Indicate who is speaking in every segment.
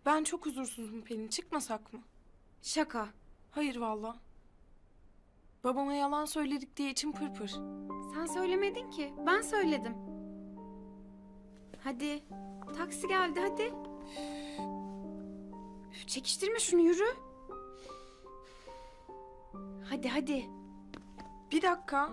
Speaker 1: Ben çok huzursuzum Pelin. Çıkmasak mı?
Speaker 2: Şaka.
Speaker 1: Hayır valla. Babama yalan söyledik diye içim pırpır.
Speaker 2: Sen söylemedin ki. Ben söyledim. Hadi. Taksi geldi hadi. Üf, çekiştirme şunu yürü. Hadi hadi.
Speaker 1: Bir dakika.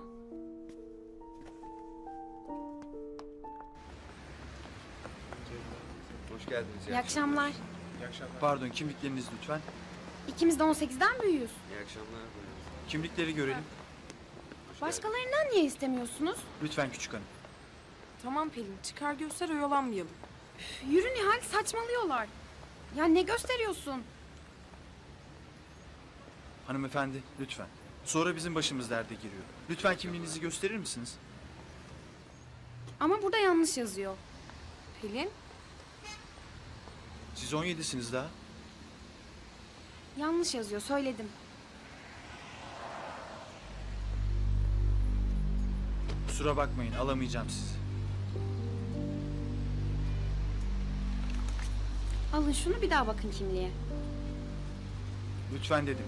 Speaker 3: Hoş geldiniz.
Speaker 2: İyi akşamlar.
Speaker 4: Pardon, kimlikleriniz lütfen.
Speaker 2: İkimiz de 18'den büyüğüz.
Speaker 3: İyi akşamlar.
Speaker 4: Kimlikleri görelim.
Speaker 2: Başkalarından niye istemiyorsunuz?
Speaker 4: Lütfen küçük hanım.
Speaker 1: Tamam Pelin, çıkar göster, oyalanmayalım.
Speaker 2: Üf, yürü Nihal, saçmalıyorlar. Ya ne gösteriyorsun?
Speaker 4: Hanımefendi, lütfen. Sonra bizim başımız derde giriyor. Lütfen kimliğinizi gösterir misiniz?
Speaker 2: Ama burada yanlış yazıyor.
Speaker 1: Pelin,
Speaker 4: Siz 17'siniz daha.
Speaker 2: Yanlış yazıyor, söyledim.
Speaker 4: Kusura bakmayın, alamayacağım sizi.
Speaker 2: Alın şunu, bir daha bakın kimliğe.
Speaker 4: Lütfen dedim.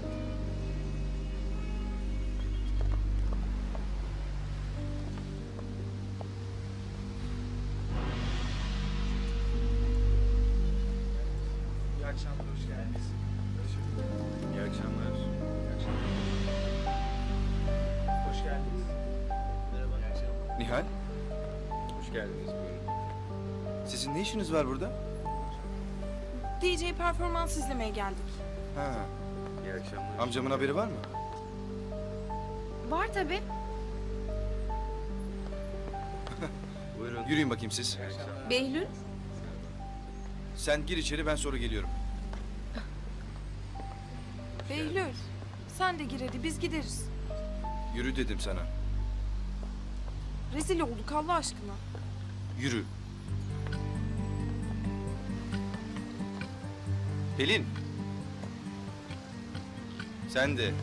Speaker 4: İyi akşamlar, hoş geldiniz.
Speaker 3: İyi akşamlar.
Speaker 4: Hoş geldiniz. Merhaba. İyi akşamlar.
Speaker 3: Nihal. Hoş geldiniz. Buyurun. Sizin ne işiniz var burada?
Speaker 1: DJ performans izlemeye geldik.
Speaker 3: Ha. İyi akşamlar. Amcamın haberi var mı?
Speaker 2: Var tabii.
Speaker 3: Buyurun. Yürüyün bakayım siz.
Speaker 1: Behlül,
Speaker 3: Sen gir içeri, ben sonra geliyorum.
Speaker 1: Behlül. Sen de gir hadi, biz gideriz.
Speaker 3: Yürü dedim sana.
Speaker 1: Rezil olduk Allah aşkına.
Speaker 3: Yürü. Pelin. Sen de.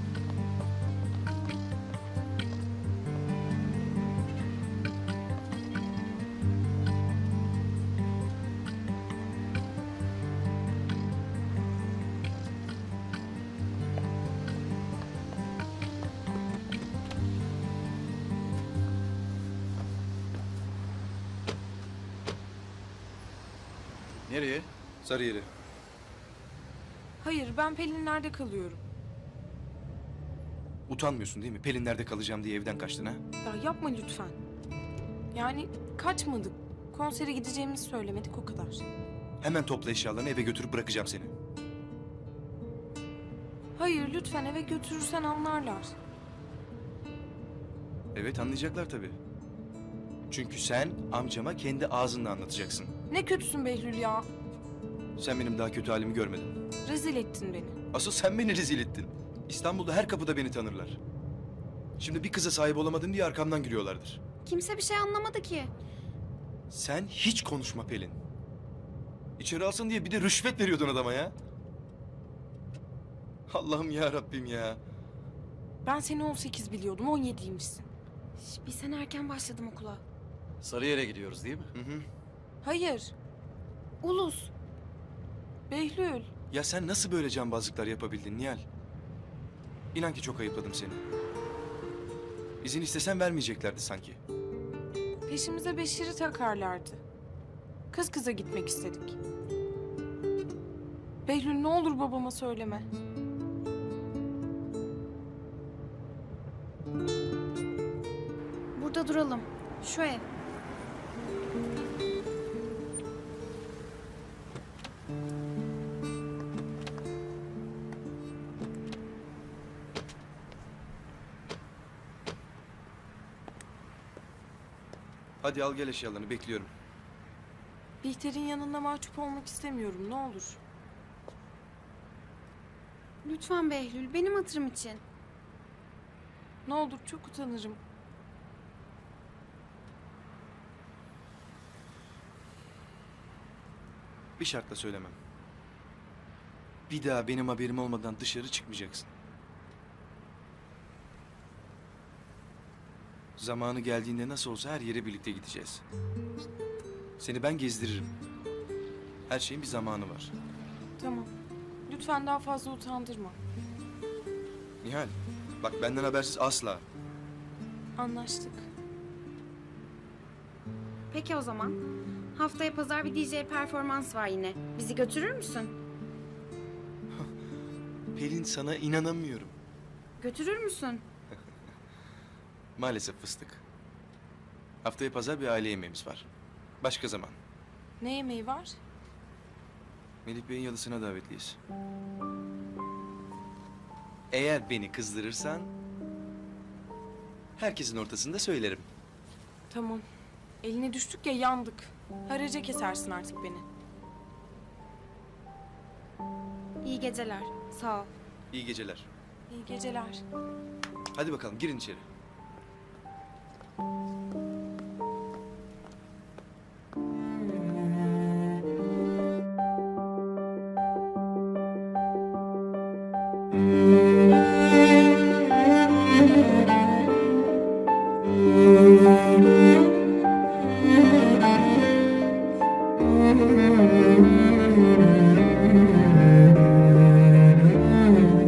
Speaker 4: Nereye?
Speaker 3: Sarıyer'e.
Speaker 1: Hayır, ben Pelin'lerde kalıyorum.
Speaker 3: Utanmıyorsun değil mi? Pelinler'de kalacağım diye evden kaçtın ha?
Speaker 1: Ya yapma lütfen. Yani kaçmadık. Konsere gideceğimizi söylemedik, o kadar.
Speaker 3: Hemen topla eşyalarını, eve götürüp bırakacağım seni.
Speaker 1: Hayır, lütfen eve götürürsen anlarlar.
Speaker 3: Evet, anlayacaklar tabii. Çünkü sen amcama kendi ağzınla anlatacaksın.
Speaker 1: Ne kötüsün Behlül ya.
Speaker 3: Sen benim daha kötü halimi görmedin.
Speaker 1: Rezil ettin beni.
Speaker 3: Asıl sen beni rezil ettin. İstanbul'da her kapıda beni tanırlar. Şimdi bir kıza sahip olamadım diye arkamdan gülüyorlardır.
Speaker 2: Kimse bir şey anlamadı ki.
Speaker 3: Sen hiç konuşma Pelin. İçeri alsın diye bir de rüşvet veriyordun adama ya. Allah'ım ya Rabbim ya.
Speaker 1: Ben seni 18 biliyordum, 17'ymişsin.
Speaker 2: Bir sene erken başladım okula.
Speaker 5: Sarıyer'e gidiyoruz değil mi?
Speaker 3: Hı hı.
Speaker 1: Hayır,
Speaker 2: Ulus.
Speaker 1: Behlül.
Speaker 3: Ya sen nasıl böyle cambazlıklar yapabildin Nihal? İnan ki çok ayıpladım seni. İzin istesen vermeyeceklerdi sanki.
Speaker 1: Peşimize Beşir'i takarlardı. Kız kıza gitmek istedik. Behlül ne olur babama söyleme.
Speaker 2: Burada duralım. Şu ev.
Speaker 3: Hadi al gel eşyalarını, bekliyorum.
Speaker 1: Bihter'in yanında mahcup olmak istemiyorum, ne olur.
Speaker 2: Lütfen Behlül, benim hatırım için.
Speaker 1: Ne olur, çok utanırım.
Speaker 3: Bir şartla söylemem. Bir daha benim haberim olmadan dışarı çıkmayacaksın. Zamanı geldiğinde nasıl olsa her yere birlikte gideceğiz. Seni ben gezdiririm. Her şeyin bir zamanı var.
Speaker 1: Tamam. Lütfen daha fazla utandırma.
Speaker 3: Nihal, bak benden habersiz asla.
Speaker 1: Anlaştık.
Speaker 2: Peki o zaman. Haftaya pazar bir DJ performans var yine. Bizi götürür müsün?
Speaker 3: Pelin, sana inanamıyorum.
Speaker 2: Götürür müsün?
Speaker 3: Maalesef fıstık. Haftaya pazar bir aile yemeğimiz var. Başka zaman.
Speaker 1: Ne yemeği var?
Speaker 3: Melih Bey'in yalısına davetliyiz. Eğer beni kızdırırsan... herkesin ortasında söylerim.
Speaker 1: Tamam. Eline düştük ya, yandık. Haraca kesersin artık beni.
Speaker 2: İyi geceler. Sağ ol.
Speaker 3: İyi geceler.
Speaker 1: İyi geceler.
Speaker 3: Hadi bakalım, girin içeri.